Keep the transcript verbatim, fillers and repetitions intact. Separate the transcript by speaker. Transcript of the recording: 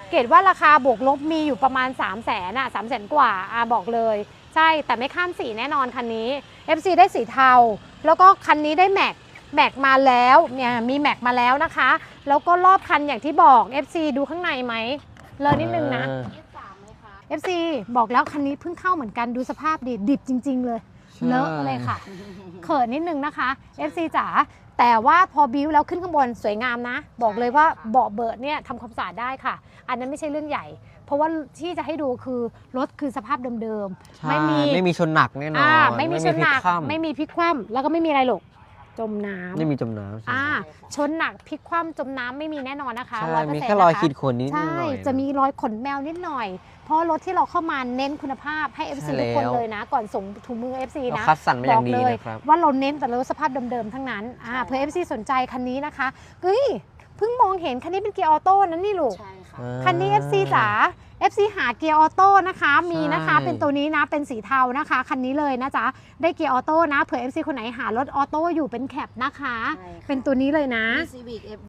Speaker 1: เกรดว่าราคาบวกลบมีอยู่ประมาณ สามแสน อ่ะ สามแสน กว่าอ่ะบอกเลยใช่แต่ไม่ข้ามสีแน่นอนคันนี้ เอฟ ซี ได้สีเทาแล้วก็คันนี้ได้แม็กแม็กมาแล้วเนี่ยมีแม็กมาแล้วนะคะแล้วก็รอบคันอย่างที่บอก เอฟ ซี ดูข้างในไหมเลยนิดนึงนะ เอฟ ซี บอกแล้วคันนี้เพิ่งเข้าเหมือนกันดูสภาพดิดิบจริงๆเลยเลอะเลยค่ะเขินนิดนึงนะคะ เอฟ ซี จ๋าแต่ว่าพอบิ้วแล้วขึ้นข้างบนสวยงามนะบอกเลยว่าเบาะเบิดเนี่ยทำความสะอาดได้ค่ะอันนั้นไม่ใช่เรื่องใหญ่เพราะว่าที่จะให้ดูคือรถคือสภาพเดิมๆไม่มี
Speaker 2: ไม่มีชนหนักแน่นอน
Speaker 1: ไม่มีชนหนักไม่มีพลิกคว่ำแล้วก็ไม่มีอะไรหรอกจมน้ำ
Speaker 2: ไม่มีจมน้ำ
Speaker 1: อ่าชนหนักพลิกคว่ำจมน้ำไม่มีแน่นอนนะคะ
Speaker 2: ใช่มีแค่รอยขีดข่วนนิดหน่อย
Speaker 1: ใช่จะมีรอยขนแมวนิดหน่อยเพราะรถที่เราเข้ามาเน้นคุณภาพให้ เอฟ ซี ทุกคนเลยนะก่อนส่งถุงมือ เอฟ ซี นะ
Speaker 2: คัดสรรมาอย่างดีนะครับ
Speaker 1: ว่าเราเน้นแต่รถสภาพเดิมๆทั้งนั้นอ่าเพื่อ เอฟ ซี สนใจคันนี้นะคะเฮ้ยเพิ่งมองเห็นคันนี้เป็นเกียร์ออโต้นั่นนี่ลูก
Speaker 3: ใช่ค่ะ
Speaker 1: คันนี้ เอฟ ซี จ๋า เอฟ ซี หาเกียร์ออโต้นะคะมีนะคะเป็นตัวนี้นะเป็นสีเทานะคะคันนี้เลยนะจ๊ะได้เกียร์ออโต้นะเผื่อ เอฟ ซี คนไหนหารถออโต้อยู่เป็นแคปนะคะเป็นตัวนี้เลยนะ
Speaker 3: Civic